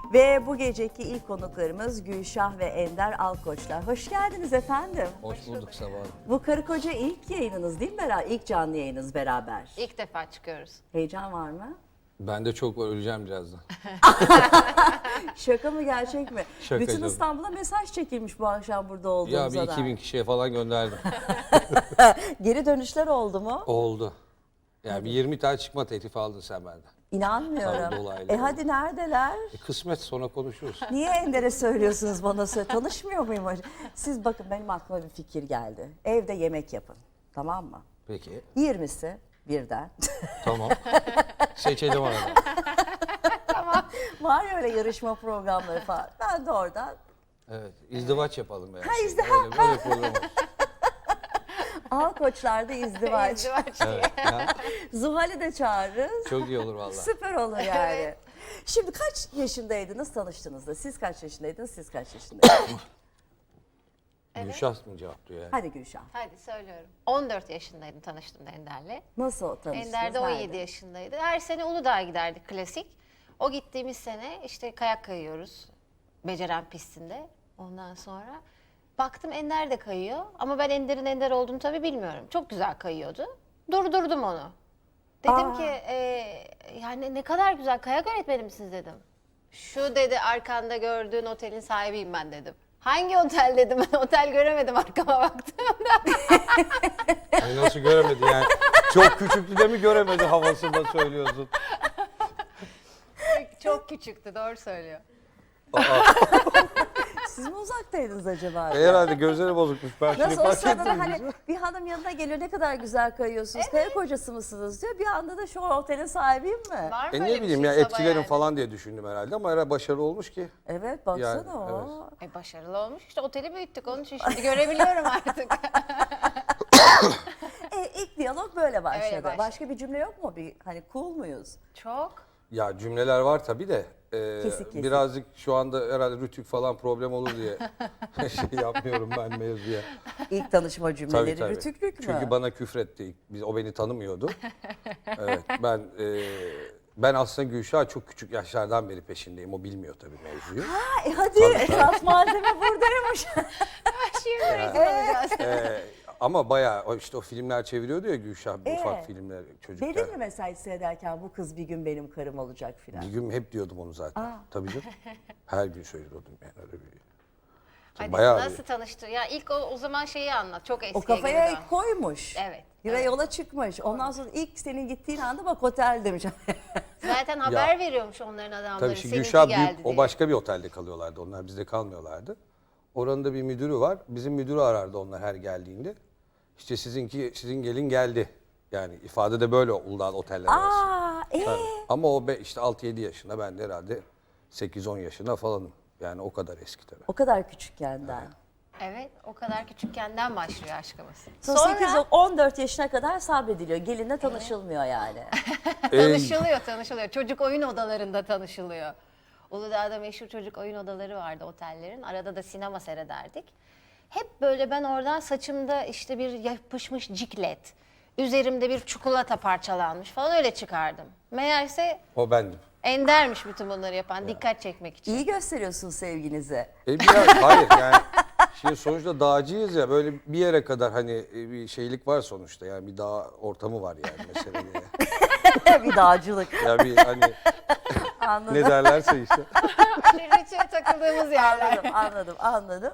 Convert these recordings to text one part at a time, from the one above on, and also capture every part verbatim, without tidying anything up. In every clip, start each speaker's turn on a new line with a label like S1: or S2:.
S1: Ve bu geceki ilk konuklarımız Gülşah ve Ender Alkoçlar. Hoş geldiniz efendim.
S2: Hoş bulduk Sabah Hanım.
S1: Bu karı koca ilk yayınınız değil mi beraber? İlk canlı yayınınız beraber.
S3: İlk defa çıkıyoruz.
S1: Heyecan var mı?
S2: Ben de çok var, öleceğim birazdan.
S1: Şaka mı gerçek mi?
S2: Şaka
S1: Bütün
S2: canım.
S1: İstanbul'a mesaj çekilmiş bu akşam burada
S2: Ya
S1: olduğumuza
S2: bir iki bin
S1: dair.
S2: kişiye falan gönderdim.
S1: Geri dönüşler oldu mu?
S2: Oldu. Ya bir yirmi tane çıkma teklifi aldın sen benden.
S1: İnanmıyorum.
S2: Sağ ol, dolaylı
S1: E
S2: oldu.
S1: hadi neredeler?
S2: E, kısmet sonra konuşuruz.
S1: Niye Ender'e söylüyorsunuz bana söyle? Tanışmıyor muyum? acaba? Siz bakın benim aklıma bir fikir geldi. Evde yemek yapın. Tamam mı?
S2: Peki.
S1: yirmisi birden.
S2: Tamam. Seçelim arada.
S1: Var ya öyle yarışma programları falan. Ben de oradan
S2: Evet. İzdivaç yapalım yani.
S1: Ha, izdi-
S2: Öyle, böyle program olsun.
S1: al koçlarda izdivaç.
S3: İzdivaç.
S2: Evet. Ya,
S1: Zuhal'i de çağırırız.
S2: çok iyi olur vallahi.
S1: Süper olur yani. Şimdi kaç yaşındaydınız tanıştığınızda? Siz kaç yaşındaydınız, siz kaç yaşındaydınız?
S2: Gülşah mı cevaplıyor yani?
S1: Hadi Gülşah.
S3: Hadi söylüyorum. on dört yaşındaydım tanıştığımda Ender'le.
S1: Nasıl tanıştınız?
S3: Ender de on yedi
S1: Nerede?
S3: yaşındaydı. Her sene Uludağ'a giderdik klasik. O gittiğimiz sene işte kayak kayıyoruz. Beceren pistinde. Ondan sonra baktım Ender de kayıyor. Ama ben Ender'in Ender olduğunu tabii bilmiyorum. Çok güzel kayıyordu. Durdurdum onu. Dedim
S1: Aa.
S3: ki e, yani ne kadar güzel kayak öğretmeni misiniz dedim. Şu dedi arkanda gördüğün otelin sahibiyim ben dedim. Hangi otel dedim, ben otel göremedim arkama baktığımda.
S2: Ay nasıl göremedi yani? Çok küçüktü de mi göremedi havasında söylüyorsun?
S3: Çok küçüktü, doğru söylüyor.
S1: Siz mi uzaktaydınız acaba?
S2: E, herhalde gözleri bozukmuş. Ben şimdi
S1: Nasıl o
S2: fark
S1: sırada da
S2: ettim.
S1: hani bir hanım yanına geliyor ne kadar güzel kayıyorsunuz, kaya kocası mısınız diyor. Bir anda da şu otelin sahibiyim mi?
S3: Var mı
S2: E
S3: öyle
S2: ne
S3: bir
S2: bileyim
S3: şey
S2: ya
S3: Sabah
S2: etkilerim
S3: yani?
S2: falan diye düşündüm herhalde ama herhalde başarılı olmuş ki.
S1: Evet baksana
S2: Yani,
S1: o.
S3: E başarılı olmuş işte, oteli büyüttük onun için şimdi görebiliyorum artık.
S1: E, ilk diyalog böyle başladı.
S3: Öyle başladı.
S1: Başka bir cümle yok mu? Bir hani cool muyuz?
S3: Çok.
S2: Ya cümleler var tabii de e,
S1: Kesik kesik.
S2: birazcık şu anda herhalde rütük falan problem olur diye şey yapmıyorum ben mevzuya.
S1: İlk tanışma cümleleri
S2: Tabii tabii.
S1: rütüklük mü?
S2: Çünkü bana küfretti. ilk. Biz, o beni tanımıyordu. Evet ben e, ben aslında Gülşah çok küçük yaşlardan beri peşindeyim. O bilmiyor tabii mevzuyu.
S1: Ha, e hadi
S2: Tabii,
S1: esas malzeme buradaymış.
S3: Şimdi rezil olacağız.
S2: E, ama bayağı o işte o filmler çeviriyordu ya Gülşah
S1: Ee,
S2: ufak filmler çocukken.
S1: Dedin mi mesela seyrederken bu kız bir gün benim karım olacak filan?
S2: Bir gün hep diyordum onu zaten.
S1: Aa.
S2: Tabii canım. Her gün söylüyordum yani öyle bir.
S3: Hadi
S2: Bayağı
S3: nasıl tanıştı? Ya ilk o, o zaman şeyi anlat. Çok eskiye
S1: O kafaya
S3: geri dön.
S1: koymuş.
S3: Evet,
S1: Ve
S3: evet.
S1: yola çıkmış. Ondan sonra ilk senin gittiğin anda bak otel demiş.
S3: Zaten haber veriyormuş onların adamları.
S2: Tabii şimdi
S3: seninki
S2: Gülşah
S3: geldi
S2: büyük, o
S3: diye.
S2: başka bir otelde kalıyorlardı. Onlar bizde kalmıyorlardı. Oranın da bir müdürü var. Bizim müdürü arardı onlar her geldiğinde. İşte sizinki sizin gelin geldi. Yani ifade de böyle Uludağ oteller arası.
S1: Aa, ee?
S2: Tabii. Ama o be, işte altı yedi yaşında, ben de herhalde sekiz on yaşında falanım. Yani o kadar eski tabii.
S1: O kadar küçükkenden.
S3: Evet, o kadar küçükkenden başlıyor aşkımız.
S1: Sonra, sekiz on dört yaşına kadar sabrediliyor. Gelinle tanışılmıyor yani.
S3: tanışılıyor, tanışılıyor. Çocuk oyun odalarında tanışılıyor. Uludağ'da meşhur çocuk oyun odaları vardı otellerin. Arada da sinema seyrederdik. Hep böyle ben oradan saçımda işte bir yapışmış ciklet, üzerimde bir çikolata parçalanmış falan öyle çıkardım. Meğerse
S2: O bendim.
S3: Ender'miş bütün bunları yapan, dikkat çekmek için.
S1: İyi gösteriyorsun sevginizi.
S2: E biraz, hayır yani şimdi sonuçta dağcıyız ya, böyle bir yere kadar hani e, bir şeylik var sonuçta, yani bir dağ ortamı var yani meselede.
S1: Bir dağcılık.
S2: Ya bir hani
S1: Anladım.
S2: ne derlerse işte.
S3: Ritüel takıldığımız yerler.
S1: Anladım, anladım, anladım.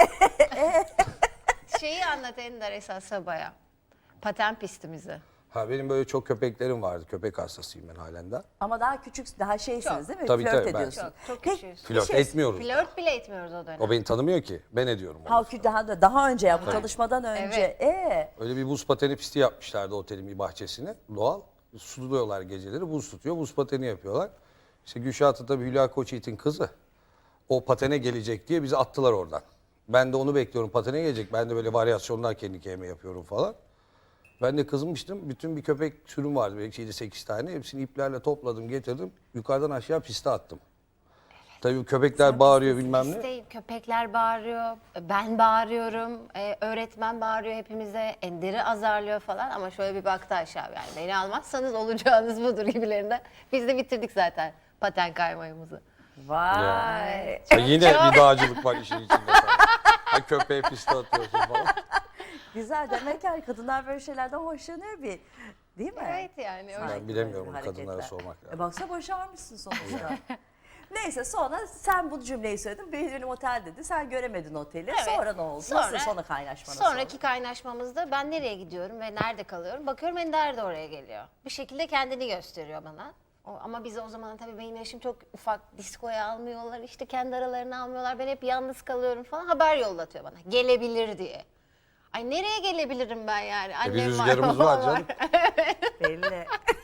S3: Şeyi anlat Ender esas Sabah'a. Paten pistimizi.
S2: Ha benim böyle çok köpeklerim vardı. Köpek hastasıyım ben halen de.
S1: Ama daha küçük, daha şeysiniz
S3: Çok.
S1: değil mi?
S2: Tabii,
S1: Flört
S2: tabii, ben-
S1: ediyorsun.
S3: Çok, çok
S1: Peki,
S3: küçüğüz.
S1: bir
S2: Flört
S1: şey-
S2: etmiyoruz.
S3: Flört bile etmiyoruz o dönem.
S2: O beni tanımıyor ki. Ben ediyorum onu.
S1: Halkü daha da daha önce ya bu tanışmadan önce. Ee,
S2: Öyle bir buz pateni pisti yapmışlardı otelin bir bahçesine. Doğal. Suluyorlar geceleri. Buz tutuyor. Buz pateni yapıyorlar. İşte Gülşah da tabii Hülya Koçyiğit'in kızı. O patene gelecek diye bizi attılar oradan. Ben de onu bekliyorum. Patene gelecek. Ben de böyle varyasyonlar kendi kendime yapıyorum falan. Ben de kızmıştım. Bütün bir köpek sürüm vardı. Belki yedi sekiz tane. Hepsini iplerle topladım, getirdim. Yukarıdan aşağı piste attım. Tabii köpekler bağırıyor bilmem ne.
S3: İşte köpekler bağırıyor, ben bağırıyorum, e, öğretmen bağırıyor hepimize, Ender'i azarlıyor falan ama şöyle bir baktı aşağı, yani beni almazsanız olacağınız budur gibilerinden. Biz de bitirdik zaten paten kaymayımızı.
S1: Vay.
S2: Ha, yine bir dağcılık var işin içinde. Ha, köpeğe piste atıyorsun falan.
S1: Güzel. Demek ki kadınlar böyle şeylerden hoşlanıyor bir. Değil mi?
S3: Evet yani. öyle.
S2: Ben bilemiyorum,
S1: Böyle
S2: kadınlara
S1: hareketler.
S2: sormak lazım.
S1: E baksa başarmışsın sonuçta. Neyse sonra sen bu cümleyi söyledin. Benim otel dedi. Sen göremedin oteli.
S3: Evet.
S1: Sonra ne oldu?
S3: Sonra-
S1: Nasıl sonra kaynaşmanız?
S3: Sonraki kaynaşmamızda ben nereye gidiyorum ve nerede kalıyorum? Bakıyorum Ender de oraya geliyor. Bir şekilde kendini gösteriyor bana. O, ama bizi o zaman tabii benim yaşım çok ufak, diskoya almıyorlar, işte kendi aralarını almıyorlar. Ben hep yalnız kalıyorum falan. Haber yollatıyor bana. Gelebilir diye. Ay nereye gelebilirim ben yani?
S2: E, bir
S3: Annem
S2: rüzgarımız
S3: babam
S2: var canım.
S1: Belli.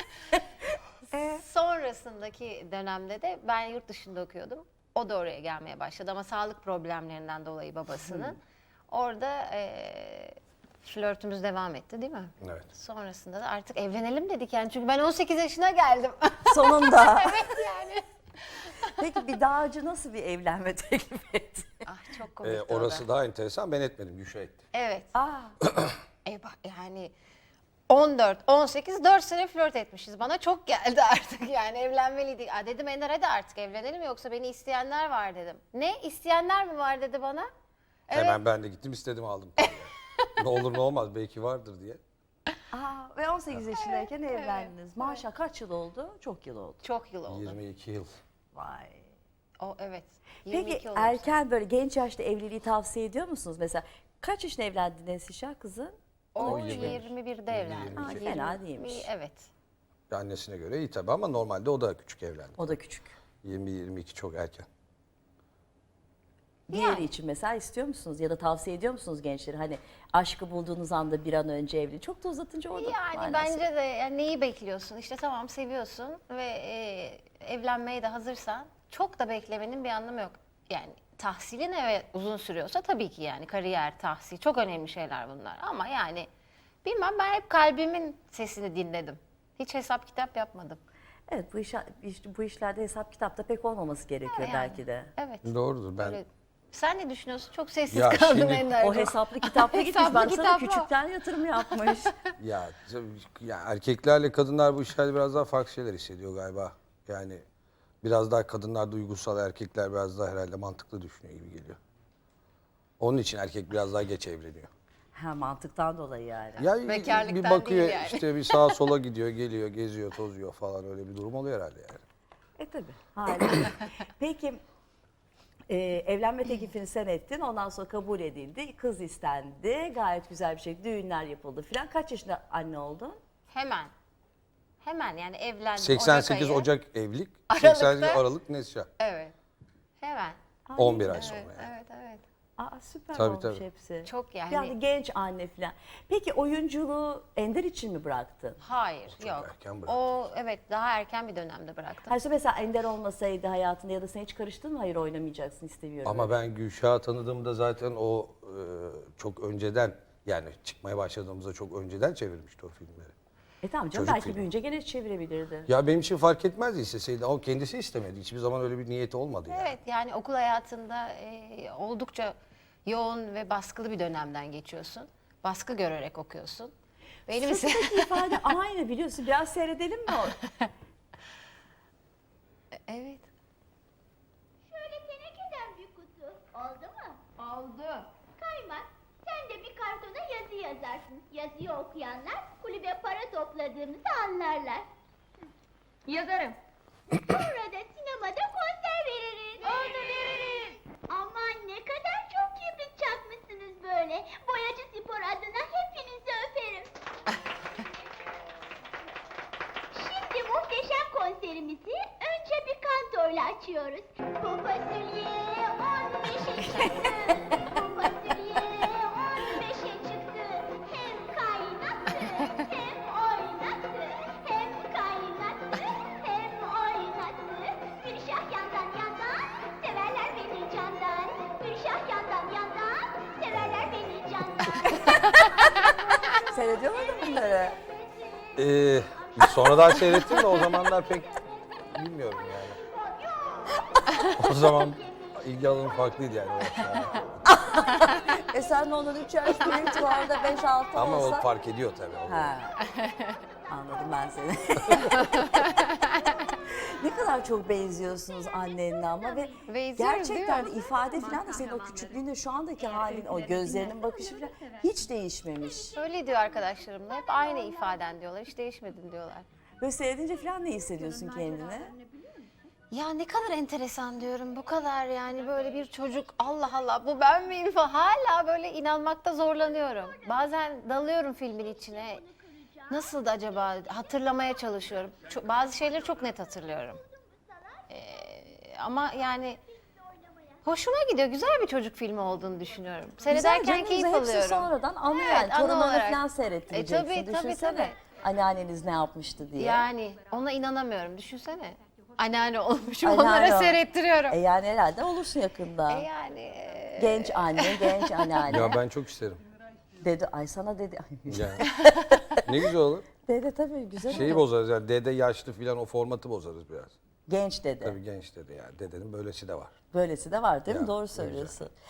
S3: Sonrasındaki dönemde de ben yurt dışında okuyordum. O da oraya gelmeye başladı ama sağlık problemlerinden dolayı babasının. Orada eee flörtümüz devam etti değil mi?
S2: Evet.
S3: Sonrasında da artık evlenelim dedik yani çünkü ben on sekiz yaşına geldim.
S1: Sonunda.
S3: Evet yani.
S1: Peki bir dağcı nasıl bir evlenme teklif etti?
S3: Ah çok komikti
S2: Ee,
S3: o da.
S2: orası daha enteresan. Ben etmedim. Gülşah etti.
S3: Evet.
S1: Aa,
S3: E bak yani on dört, on sekiz, dört sene flört etmişiz. Bana çok geldi artık yani evlenmeliydik. Aa, dedim Ender hadi artık evlenelim yoksa beni isteyenler var dedim. Ne isteyenler mi var dedi bana. Evet.
S2: Hemen ben de gittim istedim aldım. Ne olur ne olmaz belki vardır diye.
S1: aa, ve on sekiz yaşındayken evlendiniz. Maşallah kaç yıl oldu? Çok yıl oldu.
S3: Çok yıl oldu.
S2: yirmi iki yıl.
S1: Vay.
S3: O evet. yirmi iki
S1: Peki
S3: oldu.
S1: erken böyle genç yaşta evliliği tavsiye ediyor musunuz? Mesela kaç yaşında evlendi Nesişah kızın?
S3: O
S2: yirmi.
S3: yirmi birde evlendi.
S2: Aa,
S3: Yirmi-
S1: fena değilmiş.
S3: Evet.
S2: Annesine göre iyi tabii ama normalde o da küçük evlendi.
S1: O da küçük.
S2: yirmi yirmi iki çok erken.
S1: Diğeri
S3: Yani.
S1: için mesela istiyor musunuz ya da tavsiye ediyor musunuz gençlere? Hani aşkı bulduğunuz anda bir an önce evli. Çok da uzatınca o da
S3: Yani
S1: manası.
S3: bence de yani neyi bekliyorsun? İşte tamam seviyorsun ve e, evlenmeye de hazırsan çok da beklemenin bir anlamı yok. Yani tahsilin evet uzun sürüyorsa tabii ki yani kariyer, tahsil çok önemli şeyler bunlar. Ama yani bilmem ben hep kalbimin sesini dinledim. Hiç hesap kitap yapmadım.
S1: Evet bu, iş, iş- bu işlerde hesap kitapta pek olmaması gerekiyor
S3: Yani,
S1: belki de.
S3: Evet.
S2: Doğrudur ben.
S3: Öyle. Sen ne düşünüyorsun? Çok sessiz
S2: Ya
S3: kaldın
S2: şimdi-
S3: Ender.
S1: O hesaplı kitapla gitmiş.
S3: Hesaplı
S1: Baksana
S3: kitapla.
S1: küçükten yatırım yapmış.
S2: Ya, tabii- ya erkeklerle kadınlar bu işlerde biraz daha farklı şeyler hissediyor galiba. Yani biraz daha kadınlar duygusal, erkekler biraz daha herhalde mantıklı düşünüyor gibi geliyor. Onun için erkek biraz daha geç evleniyor.
S1: ha mantıktan dolayı yani.
S2: Ya
S3: Bekarlıktan
S2: bir bakıyor
S3: değil yani.
S2: işte bir sağa sola gidiyor, geliyor, geziyor, tozuyor falan öyle bir durum oluyor herhalde yani.
S1: E tabii. Haliyle. Peki e, evlenme teklifini sen ettin. Ondan sonra kabul edildi. Kız istendi. Gayet güzel bir şekilde düğünler yapıldı filan. Kaç yaşında anne oldun?
S3: Hemen. Hemen yani evlendim.
S2: seksen sekiz
S3: ayı.
S2: Ocak evlilik,
S3: Aralıkta-
S2: seksen sekiz Aralık Nesya.
S3: Evet. Hemen.
S2: on bir ay sonra
S3: Evet,
S2: yani.
S3: evet, evet.
S1: Aa süper
S2: Tabii,
S1: olmuş
S2: tabii.
S1: hepsi.
S3: Çok yani.
S1: Yani genç anne filan. Peki oyunculuğu Ender için mi bıraktın?
S3: Hayır,
S2: çok
S3: yok.
S2: erken bıraktı.
S3: O evet daha erken bir dönemde bıraktım.
S1: Hayır mesela Ender olmasaydı hayatında ya da sen hiç karıştın mı? Hayır oynamayacaksın istemiyorum.
S2: Ama ben Gülşah'ı tanıdığımda zaten o e, çok önceden yani çıkmaya başladığımızda çok önceden çevirmişti o filmleri.
S1: E tamam canım
S2: Çocuk
S1: belki
S2: filmi.
S1: büyüyünce gene çevirebilirdi.
S2: Ya benim için fark etmezdi isteseydi. O kendisi istemedi. Hiçbir zaman öyle bir niyeti olmadı yani.
S3: Evet yani okul hayatında e, oldukça yoğun ve baskılı bir dönemden geçiyorsun. Baskı görerek okuyorsun. Benim ise
S1: Sırtındaki ifade aynı biliyorsun. Biraz seyredelim mi o?
S3: evet.
S4: Şöyle tenekeden bir kutu. Oldu mu?
S3: Oldu.
S4: Kaymak, sen de bir kartona yazı yazarsın. Yazıyı okuyanlar kulübe para topladığımızı anlarlar.
S3: Yazarım.
S4: Sonra da sinemada konser veririz. Oldu veririz. Aman ne kadar çok kibrit çakmışsınız böyle. Boyacı Spor adına hepinizi öperim. Şimdi muhteşem konserimizi önce bir kantoyla açıyoruz. Bu fasulye on beşe çıktı. Bu fasulye on beşe çıktı. Hem kaynattı hem oynattı. Hem kaynattı hem oynattı. Gülşah yandan yandan severler beni candan. Gülşah yandan yandan severler beni candan.
S1: Seyrediyor muydun bunları?
S2: Ee, sonradan seyrettim de o zamanlar pek bilmiyorum yani. O zaman ilgi alanım farklıydı yani. o yaşlarda.
S1: E sen de ondan üç yaş büyük şu anda beş altı
S2: Ama
S1: olsa.
S2: o fark ediyor tabii. o.
S1: Ha. Anladım ben seni. Ne kadar çok benziyorsunuz annenle ama ve
S3: Benziyoruz,
S1: gerçekten
S3: değil mi?
S1: ifade falan da senin o küçüklüğünde şu andaki halin, o gözlerinin bakışı falan hiç değişmemiş.
S3: Öyle diyor arkadaşlarım da. Hep aynı ifaden diyorlar. Hiç değişmedin diyorlar.
S1: Böyle seyredince falan ne hissediyorsun kendine?
S3: Ya ne kadar enteresan diyorum. Bu kadar yani böyle bir çocuk Allah Allah bu ben miyim falan. Hala böyle inanmakta zorlanıyorum. Bazen dalıyorum filmin içine. Nasıldı acaba hatırlamaya çalışıyorum. Çok, bazı şeyleri çok net hatırlıyorum. Ee, ama yani hoşuma gidiyor. Güzel bir çocuk filmi olduğunu düşünüyorum. Seyrederken
S1: canım,
S3: keyif
S1: hepsi
S3: alıyorum.
S1: sonradan anlıyor
S3: Evet,
S1: yani.
S3: anı
S1: Torunlarına
S3: olarak.
S1: falan
S3: E,
S1: seyrettireceksin.
S3: tabii, tabii,
S1: Düşünsene
S3: tabii.
S1: anneanneniz ne yapmıştı diye.
S3: Yani ona inanamıyorum. Düşünsene. Anneanne olmuşum
S1: Anneanne
S3: onlara
S1: ol-
S3: seyrettiriyorum.
S1: E yani herhalde olursun yakında.
S3: E yani e,
S1: Genç anne, genç anneanne.
S2: Ya ben çok isterim.
S1: Dedi, ay sana dedi. Ay,
S2: Yani. Ne güzel olur.
S1: dede tabii güzel
S2: Şeyi
S1: olur.
S2: bozarız yani dede yaşlı filan o formatı bozarız biraz.
S1: Genç dede.
S2: Tabii genç dede yani. Dedenin böylesi de var.
S1: Böylesi de var değil mi?
S2: Ya,
S1: Doğru
S2: ne güzel.
S1: söylüyorsun.